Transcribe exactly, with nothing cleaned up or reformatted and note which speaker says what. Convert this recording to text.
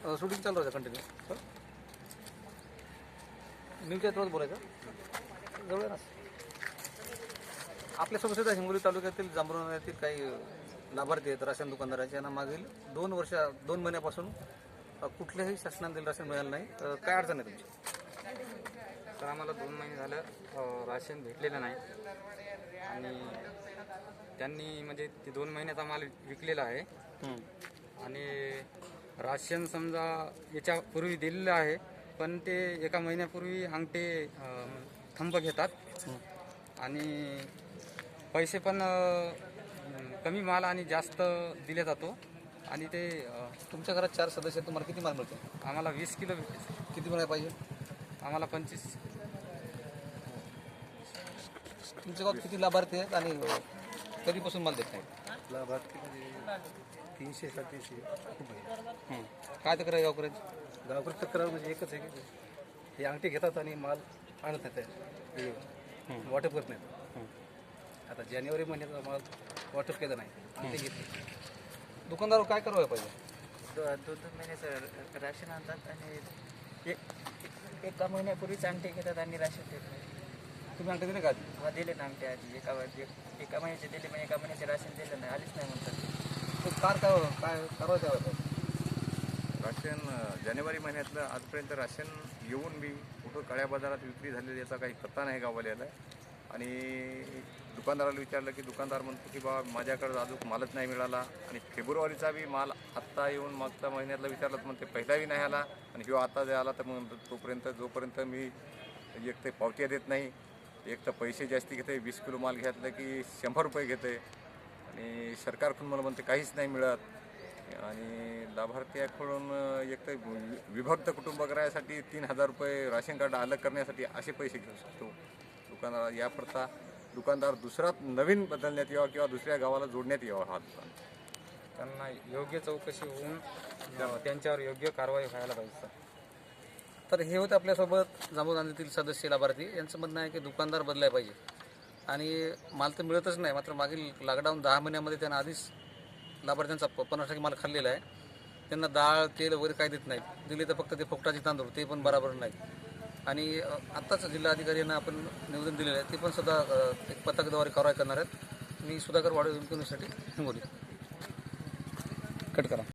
Speaker 1: Shooting चालू राहतं continue. Sir न्यूजच्या थ्रूच बोलायचं जवळ ना. आपल्यासोबत सुद्धा हिंगोली तालुक्यातील जांभरुण येथील काही लाभार्थी आहेत राशन दुकानदाराचे. यांना मागील दोन वर्ष दोन महिन्यापासून कुठल्याही शासनाने दिलं राशन मिळालं नाही. काय अडचण आहे तुमची?
Speaker 2: तर आम्हाला दोन महिने झालं राशन भेटलेलं नाही आणि त्यांनी म्हणजे ते दोन महिन्याचा माल विकलेला आहे आणि राशन समजा याच्यापूर्वी दिलेलं आहे पण ते एका महिन्यापूर्वी अंगठे थंब घेतात आणि पैसे पण कमी माल आणि जास्त दिले जातो आणि ते.
Speaker 1: तुमच्या घरात चार सदस्य आहेत, तुम्हाला किती माल मिळतो?
Speaker 2: आम्हाला वीस किलो भेटते.
Speaker 1: किती मिळायला पाहिजे?
Speaker 2: आम्हाला पंचवीस.
Speaker 1: तुमच्या गावात किती लाभार्थी आहेत आणि कधीपासून माल देत नाही?
Speaker 3: लाभार्थी तीनशे सातशे खूप आहे.
Speaker 1: काय तक्रार आहे गावकऱ्यांची?
Speaker 3: गावकरी तक्रार म्हणजे एकच आहे की हे अंगठी घेतात आणि माल आणत नाही, वाटप करत नाहीत. आता जानेवारी महिन्याचा माल वाटप केला नाही, अंगठी घेतली.
Speaker 1: दुकानदार काय करावं पाहिजे?
Speaker 4: दो दोन दोन महिन्याचं राशन आणतात आणि एक एका महिन्यापूर्वीच अंगठे घेतात आणि राशन देत नाही.
Speaker 1: तुम्ही अंगठे दिले का आधी?
Speaker 4: किंवा दिले ना अंगठे आधी एका एका महिन्याचे दिले पण एका महिन्याचे राशन दिलं नाही, आलीच नाही म्हणतात.
Speaker 1: तो कार काय काय कारवाई करावं पाहिजे?
Speaker 5: राशन जानेवारी महिन्यातलं आजपर्यंत राशन येऊन बी कुठं काळ्या बाजारात विक्री झालेली याचा काही पत्ता नाही गाववाल्याला. आणि दुकानदाराला विचारलं की दुकानदार म्हणतो की बाबा माझ्याकडं अजून मालच नाही मिळाला आणि फेब्रुवारीचा बी माल आत्ता येऊन मागच्या महिन्यातला विचारलं तर म्हणते पहिलाही नाही आला आणि किंवा आता जे आला तर मग तोपर्यंत जोपर्यंत मी एक तर पावत्या देत नाही, एक तर पैसे जास्ती घेते. वीस किलो माल घेतलं की शंभर रुपये घेते आणि सरकारकडून मला म्हणते काहीच नाही मिळत. आणि लाभार्थ्याकडून एक तर विभक्त कुटुंब करायसाठी तीन हजार रुपये राशन कार्ड अलग करण्यासाठी असे पैसे घेऊ शकतो दुकानदार. याकरता दुकानदार दुसरा नवीन बदलण्यात यावा किंवा दुसऱ्या गावाला जोडण्यात यावा हा दुकान.
Speaker 2: त्यांना योग्य चौकशी होऊन त्यांच्यावर योग्य कारवाई व्हायला पाहिजे.
Speaker 1: तर हे होते आपल्यासोबत जांभूळगांधीतील सदस्य लाभार्थी. यांचं म्हणणं आहे की दुकानदार बदलायला पाहिजे आणि माल तर मिळतच नाही. मात्र मागील लॉकडाऊन दहा महिन्यामध्ये त्यांना आधीच लाभार्थ्यांचा पन्नास टक्के माल खाल्लेला आहे. त्यांना डाळ तेल वगैरे काही देत नाही, दिले तर फक्त ते फुकटाचे तांदूळ, ते पण बरोबर नाही. आणि आत्ताच जिल्हाधिकारी यांना आपण निवेदन दिलेलं आहे, ते पण सुद्धा एक पथकाद्वारे कारवाई करणार आहेत. मी सुधाकर वाडे न्यूजसाठी हिंगोली. कट करा.